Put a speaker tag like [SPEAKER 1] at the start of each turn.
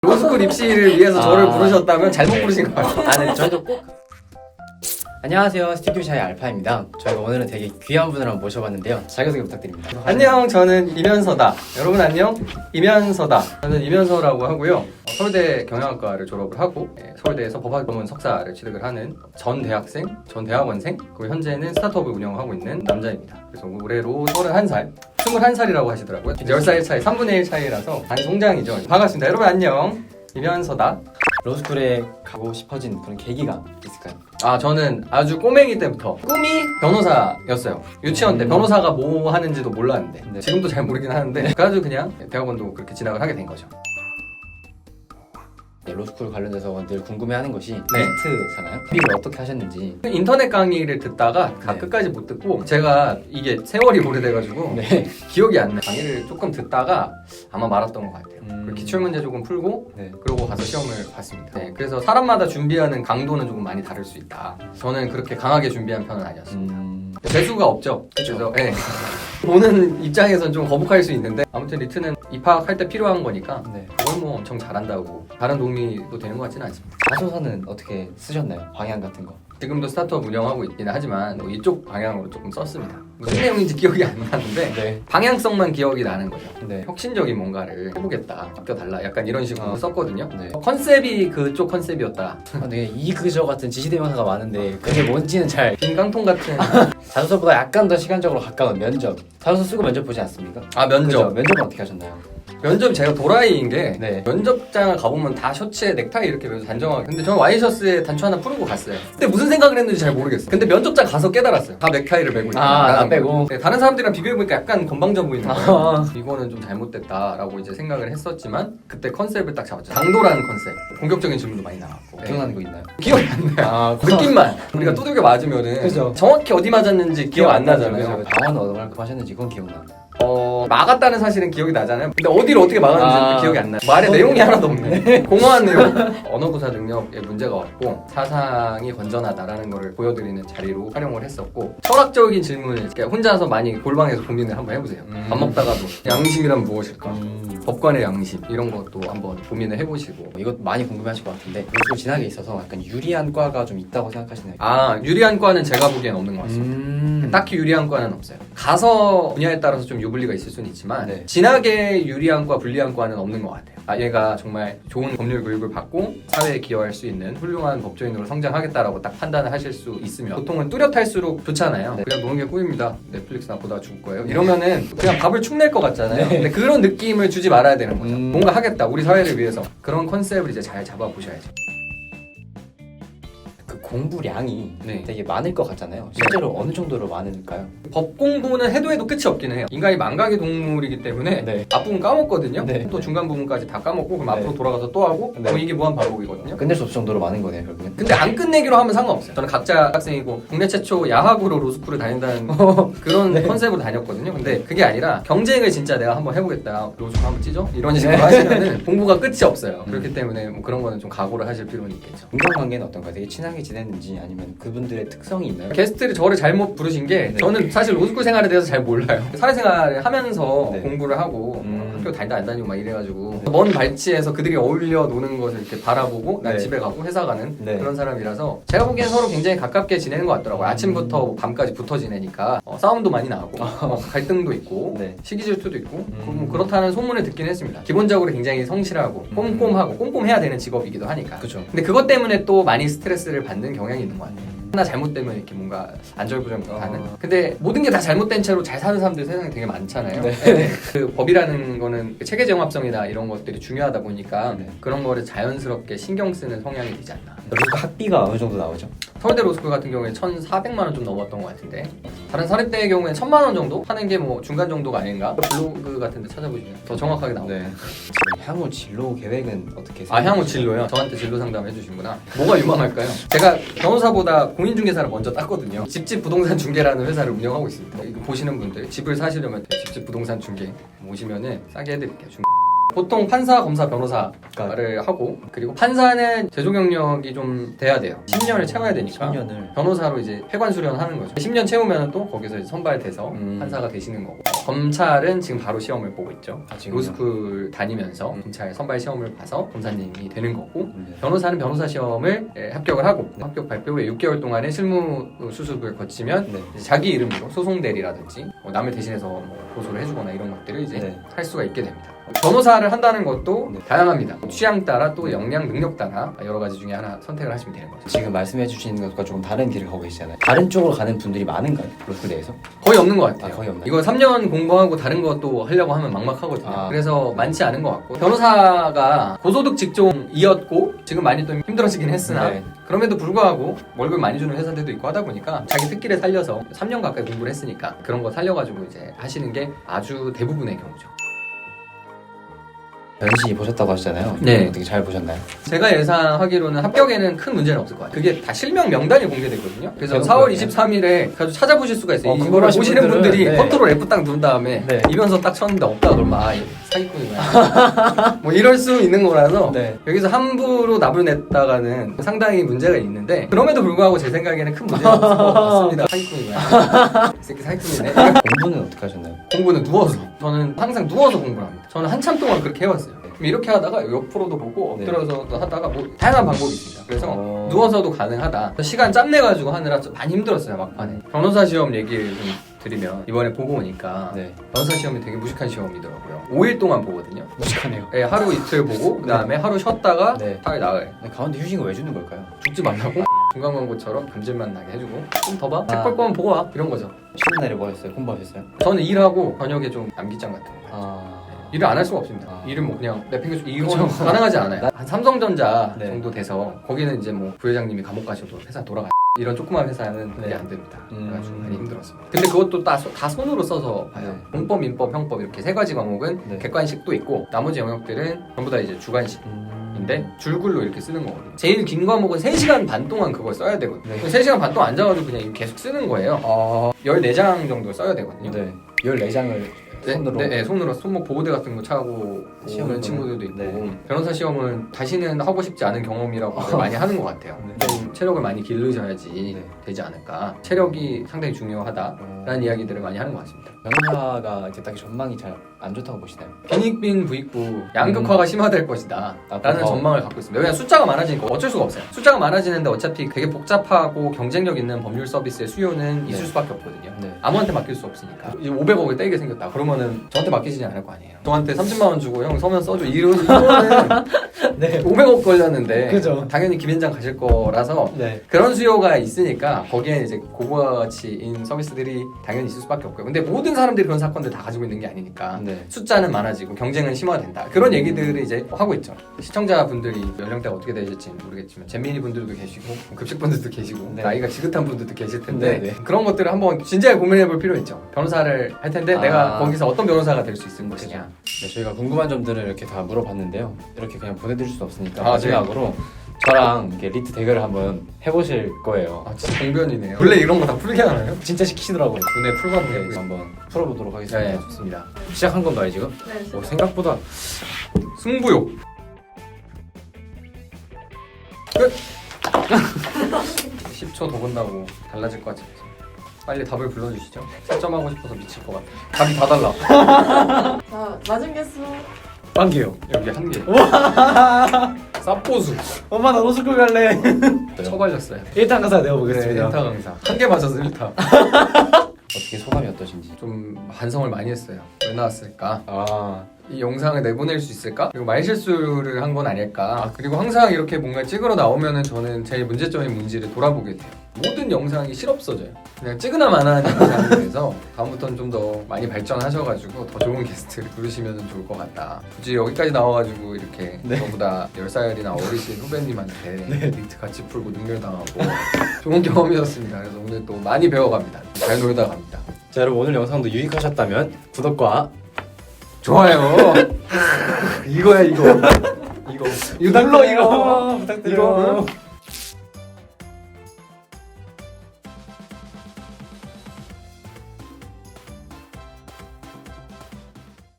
[SPEAKER 1] 로스쿨 입시를 위해서 저를 부르셨다면 잘못 부르신 것 같아요.
[SPEAKER 2] 아, 네, 저희도 꼭. 안녕하세요, 스튜디오 샤이 알파입니다. 저희가 오늘은 되게 귀한 분을 한번 모셔봤는데요. 자기소개 부탁드립니다.
[SPEAKER 1] 안녕, 저는 이면서다. 여러분 안녕, 이면서다. 저는 이면서라고 하고요. 서울대 경영학과를 졸업을 하고 서울대에서 법학 전문 석사를 취득을 하는 전 대학생, 전 대학원생, 그리고 현재는 스타트업을 운영하고 있는 남자입니다. 그래서 올해로 31살, 21살이라고 하시더라고요. 10살 차이, 3분의 1 차이라서 반송장이죠. 반갑습니다. 여러분 안녕, 이면서다.
[SPEAKER 2] 로스쿨에 가고 싶어진 그런 계기가 있을까요?
[SPEAKER 1] 아, 저는 아주 꼬맹이 때부터 꿈이 변호사였어요. 유치원 때 변호사가 뭐 하는지도 몰랐는데
[SPEAKER 2] 네.
[SPEAKER 1] 지금도 잘 모르긴 하는데 그래가지고 그냥 대학원도 그렇게 진학을 하게 된 거죠.
[SPEAKER 2] 네, 로스쿨 관련돼서 늘 궁금해하는 것이 게스트잖아요. 비를 어떻게 하셨는지.
[SPEAKER 1] 인터넷 강의를 듣다가
[SPEAKER 2] 네.
[SPEAKER 1] 끝까지 못 듣고 제가 이게 세월이 오래돼가지고
[SPEAKER 2] 네.
[SPEAKER 1] 기억이 안 나요. 강의를 조금 듣다가 아마 말았던 것 같아요. 그리고 기출문제 조금 풀고
[SPEAKER 2] 네.
[SPEAKER 1] 그러고 가서 시험을 봤습니다. 네, 그래서 사람마다 준비하는 강도는 조금 많이 다를 수 있다. 저는 그렇게 강하게 준비한 편은 아니었어요. 재수가 없죠. 그래서 네. 보는 입장에서는 좀 거북할 수 있는데 아무튼 리트는 입학할 때 필요한 거니까
[SPEAKER 2] 네.
[SPEAKER 1] 그걸 뭐 엄청 잘한다고 다른 도움이 또 되는 것 같지는 않습니다.
[SPEAKER 2] 자소서는 어떻게 쓰셨나요? 방향 같은 거.
[SPEAKER 1] 지금도 스타트업 운영하고 있기는 하지만 뭐 이쪽 방향으로 조금 썼습니다. 무슨 내용인지 기억이 안 나는데
[SPEAKER 2] 네.
[SPEAKER 1] 방향성만 기억이 나는 거죠.
[SPEAKER 2] 네.
[SPEAKER 1] 혁신적인 뭔가를 해보겠다, 바뀌어달라, 약간 이런 식으로 썼거든요.
[SPEAKER 2] 네.
[SPEAKER 1] 컨셉이 그쪽 컨셉이었다.
[SPEAKER 2] 아, 네. 이그저 같은 지시대명사가 많은데 그게 뭔지는 잘.
[SPEAKER 1] 빈 깡통 같은
[SPEAKER 2] 자소서보다 약간 더 시간적으로 가까운 면접. 자소서 쓰고 면접 보지 않습니까?
[SPEAKER 1] 아, 면접.
[SPEAKER 2] 그죠? 면접은 어떻게 하셨나요?
[SPEAKER 1] 면접 제가 도라이인 게
[SPEAKER 2] 네.
[SPEAKER 1] 면접장을 가보면 다 셔츠에 넥타이 이렇게 매서 단정하게, 근데 저는 와이셔츠에 단추 하나 풀고 갔어요. 근데 무슨 생각을 했는지 잘 모르겠어요. 근데 면접장 가서 깨달았어요. 다 넥타이를 매고 있다.
[SPEAKER 2] 나 빼고.
[SPEAKER 1] 네, 다른 사람들이랑 비교해보니까 약간 건방져 보이는 거예요.
[SPEAKER 2] 아.
[SPEAKER 1] 이거는 좀 잘못됐다라고 이제 생각을 했었지만 그때 컨셉을 딱 잡았죠. 당도라는 컨셉. 공격적인 질문도 많이 나왔고.
[SPEAKER 2] 기억나는 거 있나요?
[SPEAKER 1] 기억이 안 나요.
[SPEAKER 2] 아,
[SPEAKER 1] 느낌만. 우리가 두들겨 맞으면은
[SPEAKER 2] 그죠.
[SPEAKER 1] 정확히 어디 맞았는지 기억 안 나잖아요.
[SPEAKER 2] 그죠. 방언 얼마큼 하셨는지 그건 기억나.
[SPEAKER 1] 막았다는 사실은 기억이 나잖아요. 근데 어디를 어떻게 막았는지 기억이 안 나요. 말의 내용이 하나도 없네. 공허한 내용. 언어구사 능력에 문제가 없고 사상이 건전하다라는 거를 보여드리는 자리로 활용을 했었고, 철학적인 질문을 이렇게 혼자서 많이 골방에서 고민을 한번 해보세요. 밥 먹다가도 양심이란 무엇일까? 법관의 양심 이런 것도 한번 고민을 해보시고.
[SPEAKER 2] 이것 많이 궁금해하실 것 같은데 로스쿨 진학에 있어서 약간 유리한 과가 좀 있다고 생각하시나요?
[SPEAKER 1] 아, 유리한 과는 제가 보기엔 없는 것 같습니다. 딱히 유리한 과는 없어요. 가서 분야에 따라서 좀 유불리가 있을 수는 있지만
[SPEAKER 2] 네.
[SPEAKER 1] 진학에 유리한 과, 불리한 과는 없는 것 같아요. 아, 얘가 정말 좋은 법률 교육을 받고 사회에 기여할 수 있는 훌륭한 법조인으로 성장하겠다라고 딱 판단을 하실 수 있으면, 보통은 뚜렷할수록 좋잖아요.
[SPEAKER 2] 네.
[SPEAKER 1] 그냥 노는 게 꿈입니다. 넷플릭스나 보다 죽을 거예요. 이러면은 그냥 밥을 축낼 것 같잖아요.
[SPEAKER 2] 네.
[SPEAKER 1] 근데 그런 느낌을 주지 말아야 되는 거죠. 뭔가 하겠다, 우리 사회를 위해서. 그런 컨셉을 이제 잘 잡아보셔야죠.
[SPEAKER 2] 그 공부량이
[SPEAKER 1] 네.
[SPEAKER 2] 되게 많을 것 같잖아요. 실제로 어느 정도로 많을까요?
[SPEAKER 1] 법 공부는 해도 끝이 없긴 해요. 인간이 망각의 동물이기 때문에
[SPEAKER 2] 네.
[SPEAKER 1] 앞부분 까먹거든요.
[SPEAKER 2] 네.
[SPEAKER 1] 또 중간 부분까지 다 까먹고 그럼
[SPEAKER 2] 네.
[SPEAKER 1] 앞으로 돌아가서 또 하고
[SPEAKER 2] 네.
[SPEAKER 1] 그럼 이게 무한 반복이거든요.
[SPEAKER 2] 끝낼 수 없을 정도로 많은 거네요, 결국엔.
[SPEAKER 1] 근데 안 끝내기로 하면 상관없어요. 저는 각자 학생이고 국내 최초 야학으로 로스쿨을 다닌다는 그런
[SPEAKER 2] 네.
[SPEAKER 1] 컨셉으로 다녔거든요. 근데 그게 아니라 경쟁을 진짜 내가 한번 해보겠다, 로스쿨 한번 찌죠? 이런 식으로 하시면은 공부가 끝이 없어요. 그렇기 때문에 뭐 그런 거는 좀 각오를 하실 필요는 있겠죠.
[SPEAKER 2] 인간관계는 어떤가요? 되게 친하게 지냈는지 아니면 그분들의 특성이 있나요?
[SPEAKER 1] 게스트를 저를 잘못 부르신 게
[SPEAKER 2] 네.
[SPEAKER 1] 저는 사실 로스쿨 생활에 대해서 잘 몰라요. 사회생활을 하면서
[SPEAKER 2] 네.
[SPEAKER 1] 공부를 하고 학교 다니다 안 다니고 막 이래가지고 먼 발치에서 그들이 어울려 노는 것을 이렇게 바라보고 난
[SPEAKER 2] 네.
[SPEAKER 1] 집에 가고 회사 가는
[SPEAKER 2] 네.
[SPEAKER 1] 그런 사람이라서 제가 보기엔 서로 굉장히 가깝게 지내는 것 같더라고요. 아침부터 밤까지 붙어 지내니까 싸움도 많이 나고 갈등도 있고
[SPEAKER 2] 네.
[SPEAKER 1] 시기 질투도 있고 뭐 그렇다는 소문을 듣긴 했습니다. 기본적으로 굉장히 성실하고 꼼꼼하고 꼼꼼해야 되는 직업이기도 하니까.
[SPEAKER 2] 그죠.
[SPEAKER 1] 근데 그것 때문에 또 많이 스트레스를 받는 경향이 있는 것 같아요. 하나 잘못되면 이렇게 뭔가 안절부절하는. 근데 모든 게 다 잘못된 채로 잘 사는 사람들 세상에 되게 많잖아요.
[SPEAKER 2] 네.
[SPEAKER 1] 네. 그 법이라는 거는 체계 정합성이나 이런 것들이 중요하다 보니까
[SPEAKER 2] 네.
[SPEAKER 1] 그런 거를 자연스럽게 신경 쓰는 성향이 되지 않나.
[SPEAKER 2] 로스쿨 학비가 어느 정도 나오죠?
[SPEAKER 1] 서울대 로스쿨 같은 경우에 1,400만 원 좀 넘었던 것 같은데 다른 사립대의 경우에는 1,000만 원 정도 하는 게 뭐 중간 정도가 아닌가? 블로그 같은 데 찾아보시면 더 정확하게 나옵니다.
[SPEAKER 2] 지금 향후 진로 계획은 어떻게
[SPEAKER 1] 아, 향후 진로요? 저한테 진로 상담 해주시구나. 뭐가 유망할까요? 제가 변호사보다 공인중개사를 먼저 땄거든요. 집집 부동산 중개라는 회사를 운영하고 있습니다. 이거 보시는 분들 집을 사시려면 집집 부동산 중개 오시면은 싸게 해드릴게요. 보통 판사, 검사, 변호사를 하고 그리고 판사는 제조 경력이 좀 돼야 돼요. 10년을 채워야 되니까
[SPEAKER 2] 10년을.
[SPEAKER 1] 변호사로 이제 폐관 수련하는 거죠. 10년 채우면 또 거기서 이제 선발돼서 판사가 되시는 거고 검찰은 지금 바로 시험을 보고 있죠. 로스쿨 다니면서 검찰 선발 시험을 봐서 검사님이 되는 거고 변호사는 변호사 시험을 합격을 하고 합격 발표 후에 6개월 동안의 실무 수습을 거치면 이제 자기 이름으로 소송 대리라든지 남을 대신해서 뭐 고소를 해주거나 이런 것들을 이제 할 수가 있게 됩니다. 변호사를 한다는 것도 다양합니다. 취향 따라 또 역량, 능력 따라 여러 가지 중에 하나 선택을 하시면 되는 거죠.
[SPEAKER 2] 지금 말씀해 주시는 것과 조금 다른 길을 가고 계시잖아요. 다른 쪽으로 가는 분들이 많은가요? 로스쿨 내에서?
[SPEAKER 1] 거의 없는 것 같아요.
[SPEAKER 2] 거의 없나요?
[SPEAKER 1] 이거 3년 공부하고 다른 것도 하려고 하면 막막하거든요. 그래서 많지 않은 것 같고 변호사가 고소득 직종이었고 지금 많이 또 힘들어지긴 했으나 그럼에도 불구하고 월급 많이 주는 회사들도 있고 하다 보니까 자기 특기를 살려서 3년 가까이 공부를 했으니까 그런 거 살려가지고 이제 하시는 게 아주 대부분의 경우죠.
[SPEAKER 2] 변시 보셨다고 하시잖아요.
[SPEAKER 1] 네.
[SPEAKER 2] 어떻게 잘 보셨나요?
[SPEAKER 1] 제가 예상하기로는 합격에는 큰 문제는 없을 것 같아요. 그게 다 실명 명단이 공개되거든요. 그래서 4월 23일에 가서 찾아보실 수가 있어요. 이거를 보시는 분들이 컨트롤 F 딱 누른 다음에 이면서 딱 쳤는데 없다 그러면 사기꾼이구나. 뭐 이럴 수 있는 거라서 여기서 함부로 납을 냈다가는 상당히 문제가 있는데 그럼에도 불구하고 제 생각에는 큰 문제는 없을 것 같습니다. 사기꾼이구나. 이 새끼 사기꾼이네.
[SPEAKER 2] 공부는 어떻게 하셨나요?
[SPEAKER 1] 공부는 누워서. 저는 항상 누워서 공부를 합니다. 저는 한참 동안 그렇게 해왔어요. 이렇게 하다가 옆으로도 보고 엎드려서도 하다가 뭐 다양한 방법이 있습니다. 그래서 누워서도 가능하다. 시간 짬내가지고 하느라 좀 많이 힘들었어요 막판에. 변호사 시험 얘기를 좀 드리면 이번에 보고 오니까 변호사 시험이 되게 무식한 시험이더라고요. 5일 동안 보거든요.
[SPEAKER 2] 무식하네요.
[SPEAKER 1] 네, 하루 이틀 보고 그 다음에 하루 쉬었다가 사회 나가요.
[SPEAKER 2] 가운데 휴식을 왜 주는 걸까요?
[SPEAKER 1] 죽지 말라고 중간 광고처럼 감질만 나게 해주고 좀 더 봐? 책 볼 거면 보고 와 이런 거죠.
[SPEAKER 2] 쉬는 날에 뭐 하셨어요? 공부하셨어요?
[SPEAKER 1] 저는 일하고 저녁에 좀 암기장 같은 거 일을 안 할 수가 없습니다. 일은 뭐 그냥 내팽개쳐 이건 가능하지 않아요. 한 삼성전자 정도 돼서 거기는 이제 뭐 부회장님이 감옥 가셔도 회사 돌아가. 이런 조그만 회사는 그게 안 됩니다. 그래가지고 많이 힘들었습니다. 근데 그것도 다 손으로 써서 봐요. 공법, 민법, 형법 이렇게 세 가지 과목은 객관식도 있고 나머지 영역들은 전부 다 이제 주관식인데 줄글로 이렇게 쓰는 거거든요. 제일 긴 과목은 3시간 반 동안 그걸 써야 되거든요. 3시간 반 동안 앉아가지고 그냥 계속 쓰는 거예요. 14장 정도 써야 되거든요.
[SPEAKER 2] 14장을 손으로?
[SPEAKER 1] 손으로 손목 보호대 같은 거 차고 오는 친구들도 있고 변호사 시험은 다시는 하고 싶지 않은 경험이라고 많이 하는 것 같아요. 좀 체력을 많이 기르셔야지 되지 않을까. 체력이 상당히 중요하다라는 이야기들을 많이 하는 것 같습니다.
[SPEAKER 2] 변호사가 이제 딱 전망이 잘 안 좋다고 보시나요?
[SPEAKER 1] 빈익빈 부익부 양극화가 심화될 것이다 라는 전망을 갖고 있습니다. 왜냐하면 숫자가 많아지니까 어쩔 수가 없어요. 숫자가 많아지는데 어차피 되게 복잡하고 경쟁력 있는 법률 서비스의 수요는 있을 수밖에 없거든요. 아무한테 맡길 수 없으니까. 이제 500억을 떼게 생겼다 그러면은 저한테 맡기지는 않을 거 아니에요. 저한테 30만 원 주고 형 서면 써줘 이거는 500억 걸렸는데
[SPEAKER 2] 그죠.
[SPEAKER 1] 당연히 김현장 가실 거라서 그런 수요가 있으니까 거기에 이제 고가치인 서비스들이 당연히 있을 수밖에 없고요. 근데 모든 사람들이 그런 사건들 다 가지고 있는 게 아니니까 숫자는 많아지고 경쟁은 심화된다. 그런 얘기들을 이제 하고 있죠. 시청자분들이 연령대가 어떻게 되실지 모르겠지만 잼민이 분들도 계시고 급식 분들도 계시고 나이가 지긋한 분들도 계실 텐데 그런 것들을 한번 진지하게 고민해 볼 필요 있죠. 변호사를 할 텐데 내가 거기서 어떤 변호사가 될 수 있을 것이냐.
[SPEAKER 2] 저희가 궁금한 점들을 이렇게 다 물어봤는데요. 이렇게 그냥 보내드릴 수 없으니까 마지막으로 저랑 이렇게 리트 대결을 한번 해보실 거예요.
[SPEAKER 1] 진짜 공변이네요. 원래 이런 거 다 풀게 하나요?
[SPEAKER 2] 진짜 시키더라고요.
[SPEAKER 1] 눈에 풀거든요.
[SPEAKER 2] 한번 풀어보도록 하겠습니다.
[SPEAKER 1] 네, 좋습니다.
[SPEAKER 2] 시작한 건가요 지금?
[SPEAKER 3] 네.
[SPEAKER 2] 생각보다
[SPEAKER 1] 승부욕. 끝. 10초 더 본다고 달라질 것 같지 않아요. 빨리 답을 불러주시죠. 채점하고 싶어서 미칠 것 같아요. 답이 다 달라.
[SPEAKER 3] 자, 맞은 개수.
[SPEAKER 2] 빵개요.
[SPEAKER 1] 여기 한 개. 쌉보수.
[SPEAKER 2] 엄마 나 로스쿨 갈래.
[SPEAKER 1] 처발렸어요.
[SPEAKER 2] 1탄 가사 내어보겠습니다.
[SPEAKER 1] 1타 강사. 한 개 맞아서 1타.
[SPEAKER 2] 어떻게 소감이 어떠신지?
[SPEAKER 1] 좀 반성을 많이 했어요. 왜 나왔을까? 이 영상을 내보낼 수 있을까? 그리고 말실수를 한 건 아닐까? 그리고 항상 이렇게 뭔가 찍으러 나오면은 저는 제 문제점이 뭔지를 돌아보게 돼요. 모든 영상이 실없어져요. 그냥 찍으나마나한 영상이 돼서 다음부터는 좀 더 많이 발전하셔가지고 더 좋은 게스트를 부르시면 좋을 것 같다. 굳이 여기까지 나와가지고 이렇게 저보다 10살이나 어리신 후배님한테 리트 같이 풀고 능멸당하고 좋은 경험이었습니다. 그래서 오늘 또 많이 배워갑니다. 잘 놀다 갑니다.
[SPEAKER 2] 자 여러분 오늘 영상도 유익하셨다면 구독과
[SPEAKER 1] 좋아요. 이거야 이거.
[SPEAKER 2] 이거 눌러 이거 부탁드려요.
[SPEAKER 1] 이거